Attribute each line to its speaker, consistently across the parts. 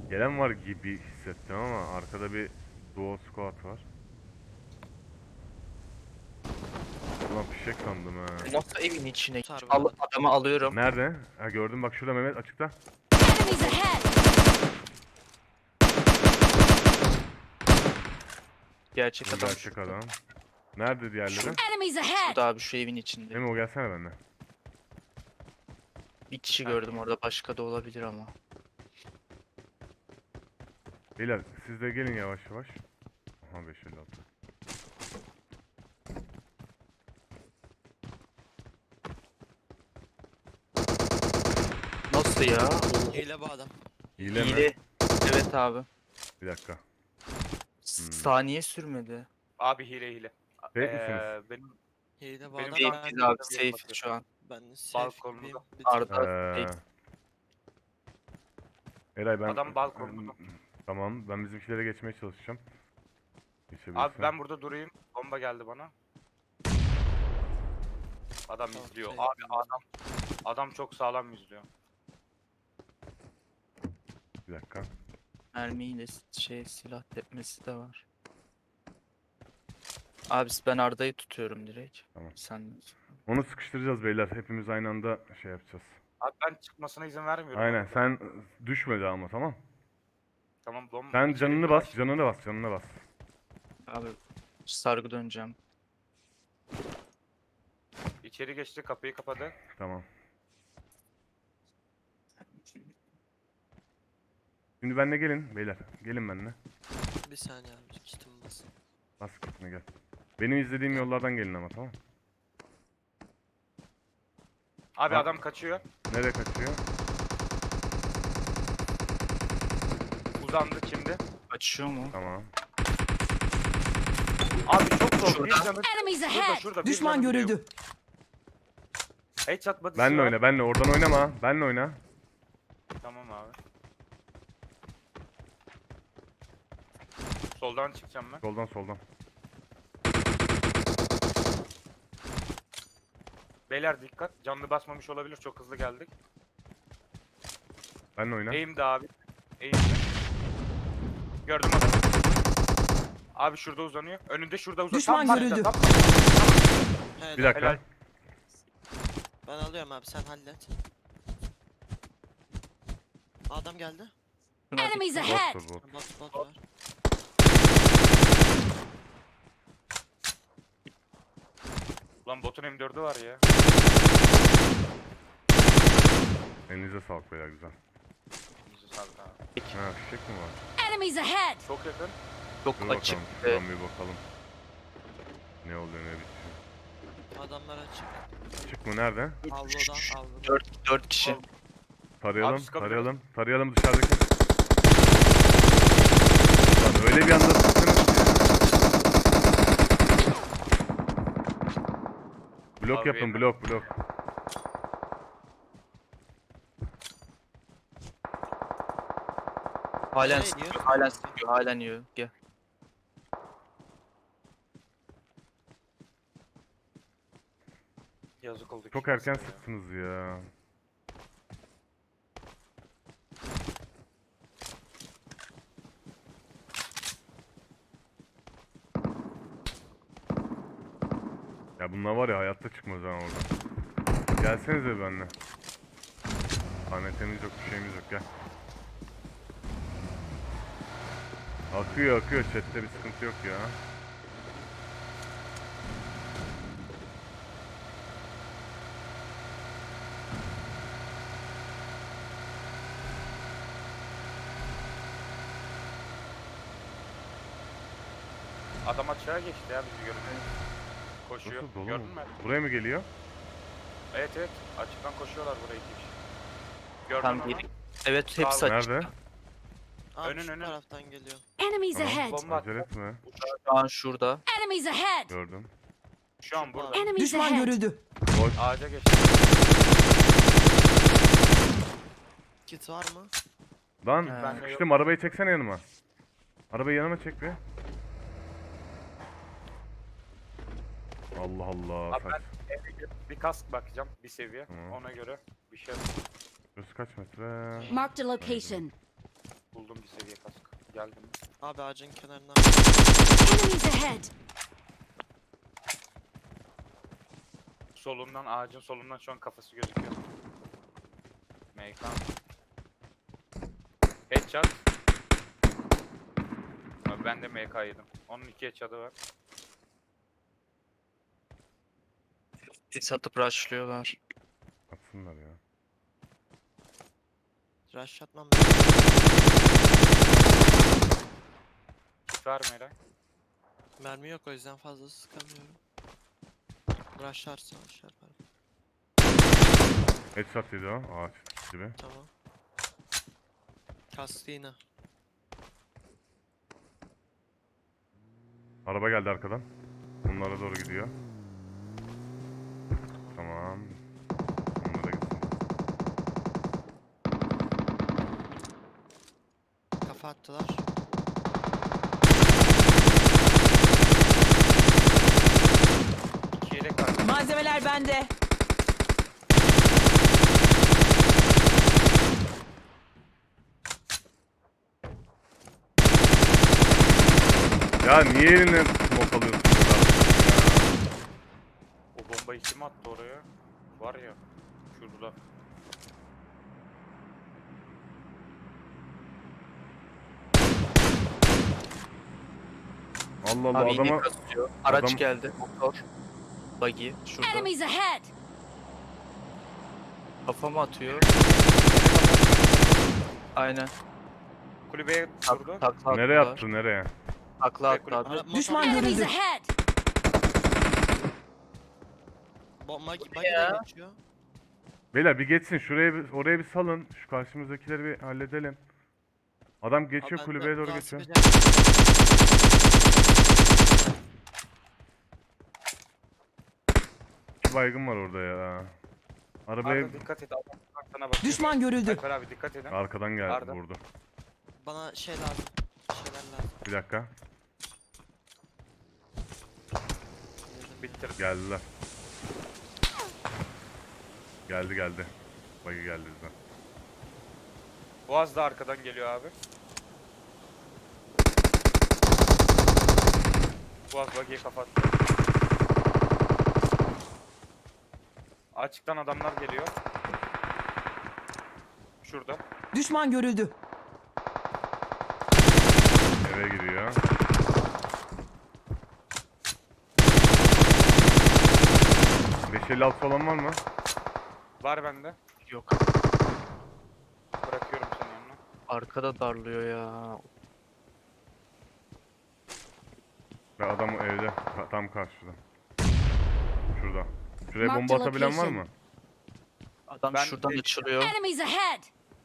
Speaker 1: Gelen var gibi hissettim ama arkada bir duo squad var. Ulan fişek sandım ha.
Speaker 2: Nasıl evin içine?
Speaker 3: Sarı
Speaker 2: Al,
Speaker 3: bana.
Speaker 2: adamı alıyorum.
Speaker 1: Nerede? Ha gördüm bak şurada Mehmet açıkta.
Speaker 4: Enemies ahead!
Speaker 2: Gerçek
Speaker 1: Bu
Speaker 2: adam
Speaker 1: gerçek
Speaker 2: şurada.
Speaker 1: adam. Nerede diğerleri?
Speaker 4: Enemies ahead!
Speaker 2: Şurada abi şu evin içinde.
Speaker 1: Memo gelsene benimle.
Speaker 2: Bir kişi gördüm orada, başka da olabilir ama.
Speaker 1: Beyler siz de gelin yavaş yavaş. Aha 556.
Speaker 2: Nasıl ya?
Speaker 3: Hile bu adam.
Speaker 1: Hile mi?
Speaker 2: Hile. Evet abi.
Speaker 1: Bir dakika.
Speaker 2: Saniye sürmedi.
Speaker 5: Abi hile.
Speaker 1: Safe misiniz?
Speaker 5: Benim
Speaker 3: Hile bu
Speaker 5: Benim
Speaker 3: adam.
Speaker 5: daha-
Speaker 2: Safe'iz abi,
Speaker 5: ben-
Speaker 2: safe şu an.
Speaker 3: Ben de safe
Speaker 5: Balkonda.
Speaker 3: gibiyim. Bir tık.
Speaker 2: Arda
Speaker 1: Ee,
Speaker 2: safe.
Speaker 1: Eray ben...
Speaker 5: Adam balkonda.
Speaker 1: Tamam ben bizimkilere geçmeye çalışacağım. Geçebilirsin.
Speaker 5: Abi ben burada durayım. Bomba geldi bana. Adam
Speaker 3: Tamam,
Speaker 5: izliyor.
Speaker 3: şey
Speaker 5: Abi
Speaker 3: yapayım
Speaker 5: adam çok sağlam izliyor.
Speaker 1: Bir dakika.
Speaker 2: Mermiyle silah tepmesi de var. Abi ben Arda'yı tutuyorum direkt.
Speaker 1: Tamam.
Speaker 2: Sen
Speaker 1: Onu sıkıştıracağız beyler. Hepimiz aynı anda şey yapacağız.
Speaker 5: Abi ben çıkmasına izin vermiyorum.
Speaker 1: Aynen
Speaker 5: abi.
Speaker 1: sen düşme daha ama tamam.
Speaker 5: Tamam bomba.
Speaker 1: Sen
Speaker 5: içeri
Speaker 1: canını
Speaker 5: bir
Speaker 1: bas,
Speaker 5: baş-
Speaker 1: canını bas, canını bas.
Speaker 2: abi sargı döneceğim.
Speaker 5: İçeri geçti, kapıyı kapadı.
Speaker 1: Tamam. Şimdi benimle gelin beyler. Gelin benimle.
Speaker 3: Bir saniye abi. Kitim basın.
Speaker 1: Bas gitme gel. Benim izlediğim yollardan gelin ama tamam.
Speaker 5: Abi
Speaker 1: Ha.
Speaker 5: adam kaçıyor.
Speaker 1: Nereye kaçıyor?
Speaker 5: Uzandı şimdi.
Speaker 2: Açıyor mu?
Speaker 1: Tamam.
Speaker 5: Abi çok zor.
Speaker 2: Şurada.
Speaker 5: Bir canı
Speaker 4: Enemies
Speaker 5: şurada
Speaker 4: ahead!
Speaker 5: şurada. bir
Speaker 6: Düşman
Speaker 5: canı bile yok.
Speaker 6: görüldü.
Speaker 5: Headshot body'si
Speaker 1: Benle
Speaker 5: var.
Speaker 1: oyna, benle. Oradan oynama. Benle oyna.
Speaker 5: Tamam abi. Soldan çıkacağım ben.
Speaker 1: Soldan soldan.
Speaker 5: Beyler dikkat. Canlı basmamış olabilir. Çok hızlı geldik.
Speaker 1: Benle oyna.
Speaker 5: Eğimde abi. Eğimde. Gördüm adamı. Abi şurada uzanıyor. Önünde şurada uzanıyor.
Speaker 6: Düşman
Speaker 5: Tam
Speaker 6: görüldü.
Speaker 5: tam-
Speaker 3: Helal.
Speaker 1: Bir dakika.
Speaker 5: Helal.
Speaker 3: Ben alıyorum abi, sen hallet. Adam geldi.
Speaker 2: Şuna
Speaker 4: Enemies
Speaker 2: dikkat.
Speaker 4: ahead!
Speaker 1: Bottur bot.
Speaker 3: Bot var.
Speaker 5: Lan botun M4'ü var ya.
Speaker 1: Elinize sağlık beyler güzel.
Speaker 5: Bizi sardı abi.
Speaker 1: Ha fişek mi var?
Speaker 4: Enemies ahead!
Speaker 5: Çok yakın.
Speaker 2: Çok
Speaker 1: Dur
Speaker 2: açık.
Speaker 1: bakalım. Şuradan bir bakalım. Ne oluyor ne bitiyor.
Speaker 3: Adamlar açık.
Speaker 1: Çık mı nerede?
Speaker 3: Avludan avludan.
Speaker 2: 4 kişi.
Speaker 1: Tarayalım,
Speaker 5: Abi sıkabiliriz.
Speaker 1: tarayalım. Tarayalım dışarıdaki. Lan öyle bir anda sıktınız ki. Blok
Speaker 5: Abi
Speaker 1: yapın,
Speaker 5: yemin-
Speaker 1: blok.
Speaker 2: Halen
Speaker 3: Nereye
Speaker 2: sıkıyor,
Speaker 3: gidiyor?
Speaker 2: halen sıkıyor, halen yiyor. Gel.
Speaker 5: Yazık oldu.
Speaker 1: Çok
Speaker 5: ki
Speaker 1: erken
Speaker 5: aslında ya.
Speaker 1: sıktınız ya. Ya bunlar var ya hayatta çıkmaz ha oradan. Gelsenize benimle. Tanetemiz yok, bir şeyimiz yok gel. Akıyor, chatte bir sıkıntı yok ya.
Speaker 5: Adam açığa geçti ya bizi görünce. Koşuyor.
Speaker 1: Nasıl dolu
Speaker 5: Gördün
Speaker 1: mu?
Speaker 5: mü?
Speaker 1: Buraya mı geliyor?
Speaker 5: Evet. Açıktan koşuyorlar buraya iki kişi. Gördün
Speaker 2: Tam
Speaker 5: mü?
Speaker 2: geri. Evet hepsi
Speaker 5: Sağ-
Speaker 2: açık.
Speaker 1: Nerede?
Speaker 3: Abi
Speaker 5: Önün,
Speaker 3: şu
Speaker 5: önün.
Speaker 3: taraftan geliyor.
Speaker 4: Enemies
Speaker 1: Tamam.
Speaker 4: ahead!
Speaker 5: Bomba
Speaker 1: Acele
Speaker 5: attı.
Speaker 1: etme.
Speaker 2: Şu an şurada.
Speaker 4: Enemies ahead!
Speaker 1: Gördüm.
Speaker 5: Şu an burada.
Speaker 4: Enemies
Speaker 6: Düşman
Speaker 4: ahead!
Speaker 6: görüldü.
Speaker 1: Boş.
Speaker 5: Ağaca geçti.
Speaker 3: Kit var mı?
Speaker 1: Lan
Speaker 2: Ben
Speaker 5: de
Speaker 1: sıkıştım, arabayı çeksene yanıma. Arabayı yanıma çek bir. Allah Allah.
Speaker 5: Abi ben evde bir kask bakacağım. Bir seviye.
Speaker 1: Tamam.
Speaker 5: Ona göre bir şey.
Speaker 1: Burası kaç metre?
Speaker 4: Marked a location.
Speaker 5: Buldum bir seviye kask. Geldim.
Speaker 3: Abi ağacın kenarına.
Speaker 4: Enemies ahead!
Speaker 5: Solundan, ağacın solundan şu an kafası gözüküyor. MK. Headshot. Abi ben de MK yedim. Onun 2 headshot'ı var.
Speaker 2: Sis atıp rushlıyorlar.
Speaker 1: Atsınlar ya.
Speaker 3: Rush atmam.
Speaker 5: Kit var mı Eray?
Speaker 3: Mermi yok o yüzden fazla sıkamıyorum. Rushlarsa rush yaparım.
Speaker 1: Headshot yedi o ağaç gibi.
Speaker 3: Tamam. Kastı yine.
Speaker 1: Araba geldi arkadan. Bunlara doğru gidiyor. Tamam. Onlara gitsin.
Speaker 3: Kafa attılar.
Speaker 5: İki yelek var.
Speaker 6: Malzemeler bende.
Speaker 1: Ya niye eline smoke alıyorsun burada?
Speaker 5: O bombayı kim attı oraya? Var ya. Şurada.
Speaker 1: Allah Allah
Speaker 2: Abi yine
Speaker 1: adama
Speaker 2: kasıyor. Araç
Speaker 1: adam-
Speaker 2: geldi. Motor. Buggy. Şurada.
Speaker 4: Enemies ahead!
Speaker 2: Kafama atıyor. Aynen.
Speaker 5: Kulübeye vurdu.
Speaker 2: Takla
Speaker 1: nereye
Speaker 2: attılar.
Speaker 1: attı nereye?
Speaker 2: Takla attı
Speaker 5: Kulübe-
Speaker 2: abi.
Speaker 3: Ara-
Speaker 6: Düşman
Speaker 3: motor-
Speaker 4: Enemies
Speaker 6: görüldü.
Speaker 4: ahead!
Speaker 3: Buggy
Speaker 2: ya?
Speaker 3: de geçiyor.
Speaker 1: Beyler bir geçsin şuraya oraya bir salın. Şu karşımızdakileri bir halledelim. Adam geçiyor
Speaker 3: Abi ben
Speaker 1: kulübeye doğru
Speaker 3: daha
Speaker 1: geçiyor.
Speaker 3: sıkacağım.
Speaker 1: İki baygın var orada ya. Arabaya
Speaker 5: Arda dikkat et. Adam sana bakıyor.
Speaker 6: Düşman görüldü.
Speaker 5: Alper abi dikkat edin.
Speaker 1: arkadan geldi
Speaker 5: Arda.
Speaker 1: vurdu.
Speaker 3: Bana şey lazım. Şeyler lazım.
Speaker 1: Bir dakika.
Speaker 5: Bitir.
Speaker 1: Geldiler. Geldi. Buggy geldi bizden.
Speaker 5: Boğaz da arkadan geliyor abi. Boğaz buggy'yi kapattı. Açıktan adamlar geliyor. Şurada.
Speaker 6: Düşman görüldü.
Speaker 1: Eve giriyor. ...556 olan var mı?
Speaker 5: Var bende.
Speaker 2: Yok.
Speaker 5: Bırakıyorum senin yanına.
Speaker 2: Arkada darlıyor ya.
Speaker 1: Ve adam evde tam karşıda. Şurada. Şuraya
Speaker 4: Mark
Speaker 1: bomba
Speaker 4: the
Speaker 1: atabilen var
Speaker 4: location.
Speaker 1: mı?
Speaker 2: Adam
Speaker 5: Ben
Speaker 2: şuradan
Speaker 5: de-
Speaker 2: açılıyor.
Speaker 4: Enemies ahead!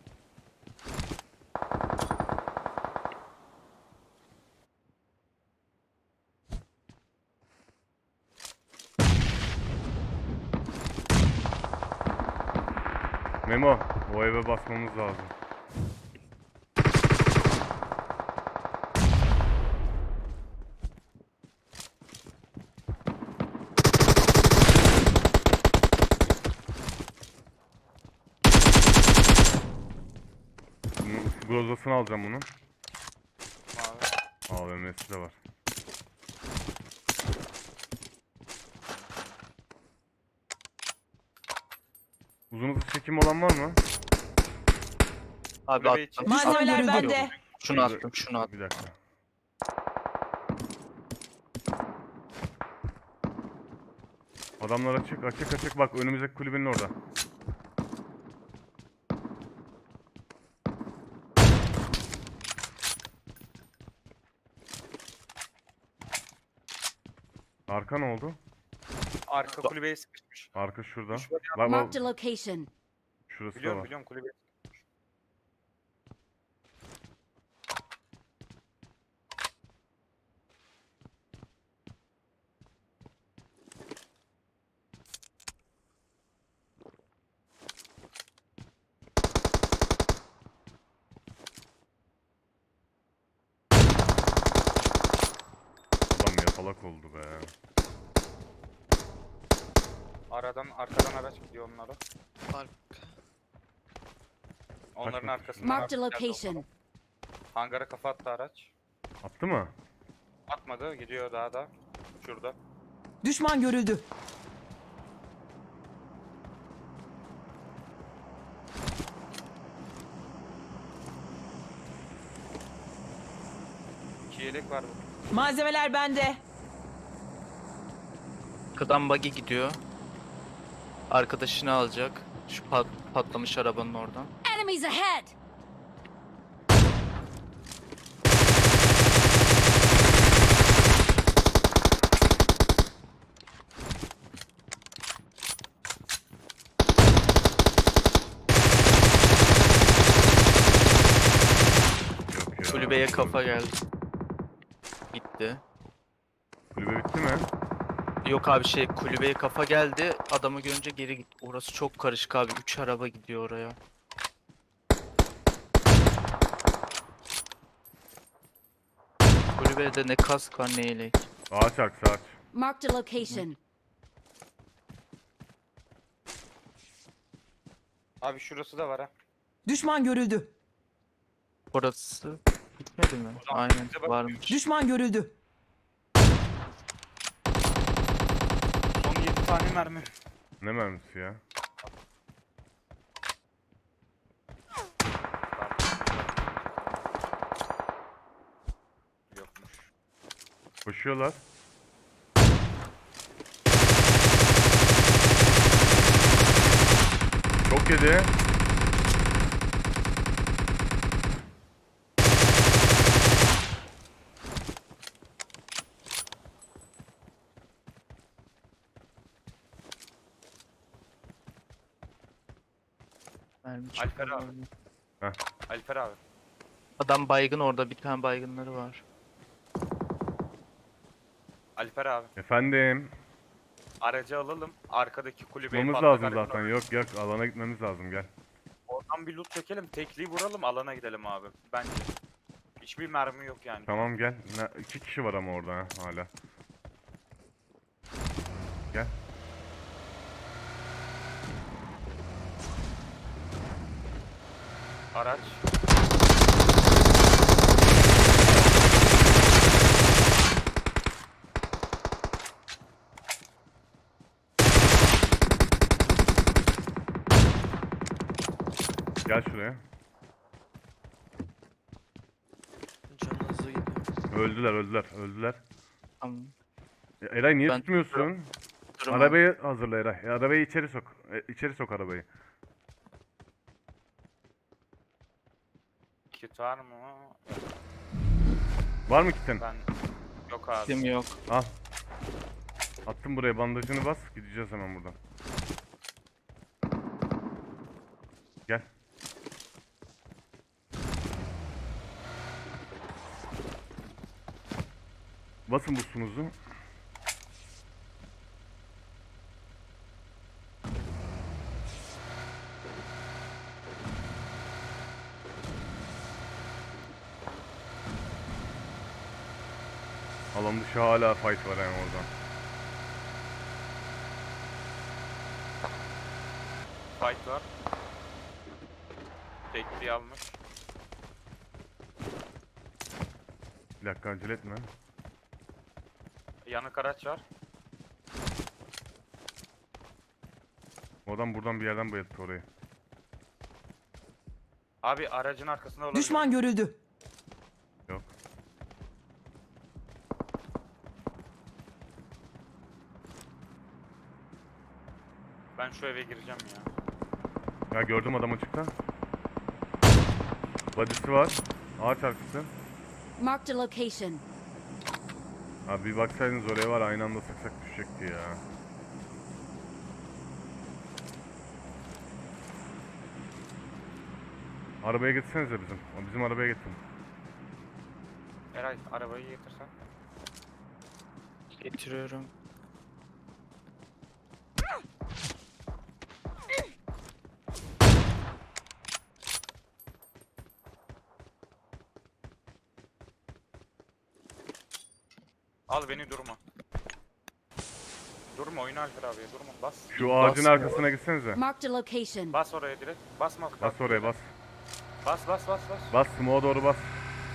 Speaker 1: Memo, o eve basmamız lazım. Bunun grozasını alacağım bunun.
Speaker 5: Abi.
Speaker 1: AVM'si de var. Uzun hızlı çekim olan var mı?
Speaker 2: Abi
Speaker 5: Kulübe
Speaker 2: attım.
Speaker 5: için.
Speaker 6: Malzemeler
Speaker 2: Attım.
Speaker 6: bende.
Speaker 2: Şunu attım, şunu attım.
Speaker 1: Bir dakika. Adamlar açık bak önümüzdeki kulübenin orada. Arka ne oldu?
Speaker 5: Arka kulübeye sıkışmış.
Speaker 1: Arka şurada.
Speaker 5: Şurada
Speaker 1: Bak bak
Speaker 4: Marked a location.
Speaker 1: şurası da
Speaker 5: Biliyorum
Speaker 1: var.
Speaker 5: biliyorum kulübeye.
Speaker 1: Adam yatalak oldu be.
Speaker 5: Arkadan araç gidiyor onlara.
Speaker 3: Arka.
Speaker 5: Onların
Speaker 1: Kaçmak
Speaker 5: arkasından
Speaker 4: Marked a
Speaker 5: araç geldi
Speaker 4: location.
Speaker 5: onlara. Hangara kafa attı araç.
Speaker 1: Attı mı?
Speaker 5: Atmadı. Gidiyor daha da. Şurada.
Speaker 6: Düşman görüldü.
Speaker 5: İki yelek var bu.
Speaker 6: Malzemeler bende.
Speaker 2: Arkadan buggy gidiyor. Arkadaşını alacak. Şu patlamış arabanın oradan.
Speaker 4: Enemies ahead!
Speaker 1: Yok ya.
Speaker 2: Kulübeye kafa geldi. Gitti.
Speaker 1: Kulübe bitti mi?
Speaker 2: Yok abi kulübeye kafa geldi. Adamı görünce geri gitti. Orası çok karışık abi. 3 araba gidiyor oraya. Kulübede ne kask var ne yelek.
Speaker 1: Ağaç arkası ağaç.
Speaker 4: Marked a location.
Speaker 5: Abi şurası da var ha.
Speaker 6: Düşman görüldü.
Speaker 2: Orası bitmedi mi?
Speaker 5: O zaman
Speaker 2: Aynen
Speaker 5: bize bak-
Speaker 2: varmış.
Speaker 6: Düşman görüldü.
Speaker 5: Son 7 tane mermi.
Speaker 1: Ne mermisi ya?
Speaker 5: Yokmuş.
Speaker 1: Koşuyorlar. Çok yedi.
Speaker 2: Mermi
Speaker 5: Alper
Speaker 2: çıkıyor.
Speaker 5: abi. Alper abi.
Speaker 2: Adam baygın orada bir tane baygınları var.
Speaker 5: Alper abi.
Speaker 1: Efendim.
Speaker 5: Aracı alalım. Arkadaki kulübeyi
Speaker 1: Gitmemiz
Speaker 5: patlak
Speaker 1: lazım
Speaker 5: aracın
Speaker 1: zaten. Yok yok, alana gitmemiz lazım, gel.
Speaker 5: Oradan bir loot çekelim. Tekliği vuralım. Alana gidelim abi. Bence. Hiçbir mermi yok yani.
Speaker 1: Tamam gel. İki kişi var ama orada ha, hala. Gel.
Speaker 5: Araç.
Speaker 1: Gel şuraya.
Speaker 3: Canı hızlı gidiyor.
Speaker 1: Öldüler.
Speaker 2: Tamam.
Speaker 1: Ya Eray niye
Speaker 2: Ben
Speaker 1: tutmuyorsun?
Speaker 2: Durum
Speaker 1: Arabayı hazırla Eray. Arabayı içeri sok. İçeri sok arabayı.
Speaker 5: Kit var mı?
Speaker 1: Var mı kitin?
Speaker 5: Ben... Yok abi.
Speaker 2: Kim yok.
Speaker 1: Al. Attım buraya, bandajını bas. Gideceğiz hemen buradan. Gel. Basın busunuzu. Alan dışı hala fight var yani oradan.
Speaker 5: Fight var. Tekliği almış.
Speaker 1: Bir dakika, acele etme.
Speaker 5: Yanık araç var.
Speaker 1: O adam buradan bir yerden bayılttı orayı.
Speaker 5: Abi aracın arkasında olabilir.
Speaker 6: Düşman görüldü.
Speaker 1: Yok.
Speaker 5: Ben şu eve gireceğim ya.
Speaker 1: Ya gördüm adam açıkta. Body'si var. Ağaç arkası.
Speaker 4: Marked a location.
Speaker 1: Abi bir baksaydınız oraya, var aynı anda sıksak düşecekti ya. Arabaya getirsenize bizim. Bizim arabaya getirin.
Speaker 5: Eray arabayı getirsen.
Speaker 2: Getiriyorum.
Speaker 5: Al beni durma. Durma oyna Alper abiye durma. Bas.
Speaker 1: Şu ağacın
Speaker 2: Basmıyor.
Speaker 1: arkasına gitsenize.
Speaker 4: Marked a location.
Speaker 5: Bas oraya direkt. Basma.
Speaker 1: Bas oraya bas.
Speaker 5: Bas bas bas bas.
Speaker 1: Bas smoke'a doğru bas.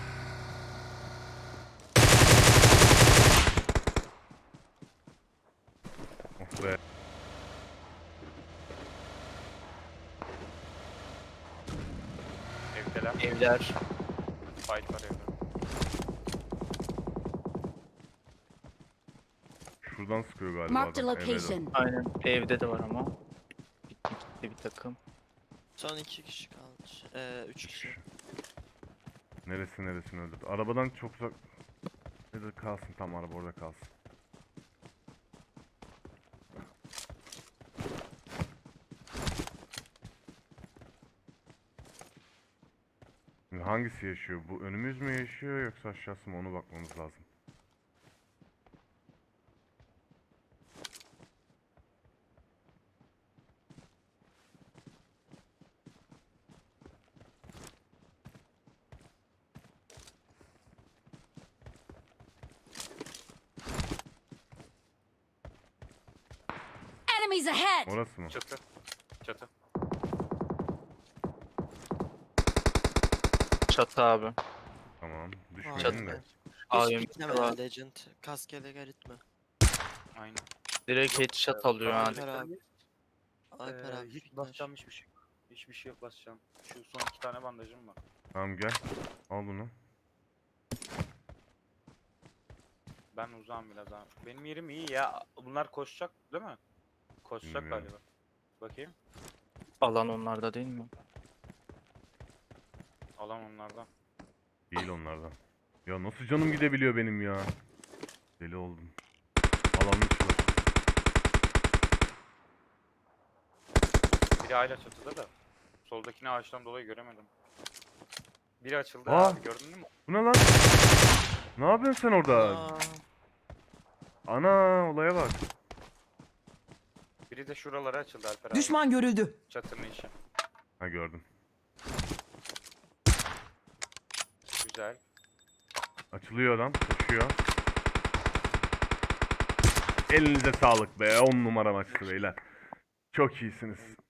Speaker 1: be.
Speaker 5: Evdeler.
Speaker 2: Evler.
Speaker 5: Fight var evde.
Speaker 1: Şuradan sıkıyor galiba
Speaker 4: Marked a
Speaker 1: adam. eve doğru.
Speaker 4: location.
Speaker 2: Aynen. Evde de var ama. Gitti bir takım.
Speaker 3: Son 2 kişi kalmış. 3 kişi.
Speaker 1: Neresini öldürdü? Arabadan çok uzak. Nerede kalsın, tam araba orada kalsın. Şimdi hangisi yaşıyor? Bu önümüz mü yaşıyor yoksa aşağısı mı? Onu bakmamız lazım.
Speaker 4: Enemies ahead!
Speaker 1: Orası mı?
Speaker 5: Çatı. Çatı.
Speaker 2: Çatı abi.
Speaker 1: Tamam.
Speaker 3: Çatı.
Speaker 1: Düşmeyin de.
Speaker 2: Abi,
Speaker 3: Hiç bekleme
Speaker 2: var.
Speaker 3: ya Legend. Kaskele gitme.
Speaker 5: Aynen.
Speaker 2: Direkt headshot alıyor yani.
Speaker 3: Alper abi. Alper abi.
Speaker 5: Hiç
Speaker 3: fitness.
Speaker 5: basacağım hiçbir şey. Hiçbir şey yok basacağım. Şu son 2 tane bandajım var.
Speaker 1: Tamam gel. Al bunu.
Speaker 5: Ben uzağım biraz abi. Benim yerim iyi ya. Bunlar koşacak değil mi? Koşacak
Speaker 1: Bilmiyorum.
Speaker 5: galiba. Bakayım.
Speaker 2: Alan onlarda değil mi?
Speaker 5: Alan onlardan.
Speaker 1: Değil onlardan. Ya nasıl canım gidebiliyor benim ya? Deli oldum. Alanın içi var.
Speaker 5: Biri hala çatıda da. Soldakini ağaçtan dolayı göremedim. Biri açıldı
Speaker 1: Aa!
Speaker 5: abi gördün mü?
Speaker 1: Bu ne lan? Ne yapıyorsun sen orada?
Speaker 3: Aa,
Speaker 1: Ana, olaya bak.
Speaker 5: Biri de şuralara açıldı Alper abi.
Speaker 6: Düşman görüldü.
Speaker 5: Çatının içi.
Speaker 1: Ha gördüm.
Speaker 5: Güzel.
Speaker 1: Açılıyor adam. Koşuyor. Elinize sağlık be. 10 numara maçtı beyler. Çok iyisiniz.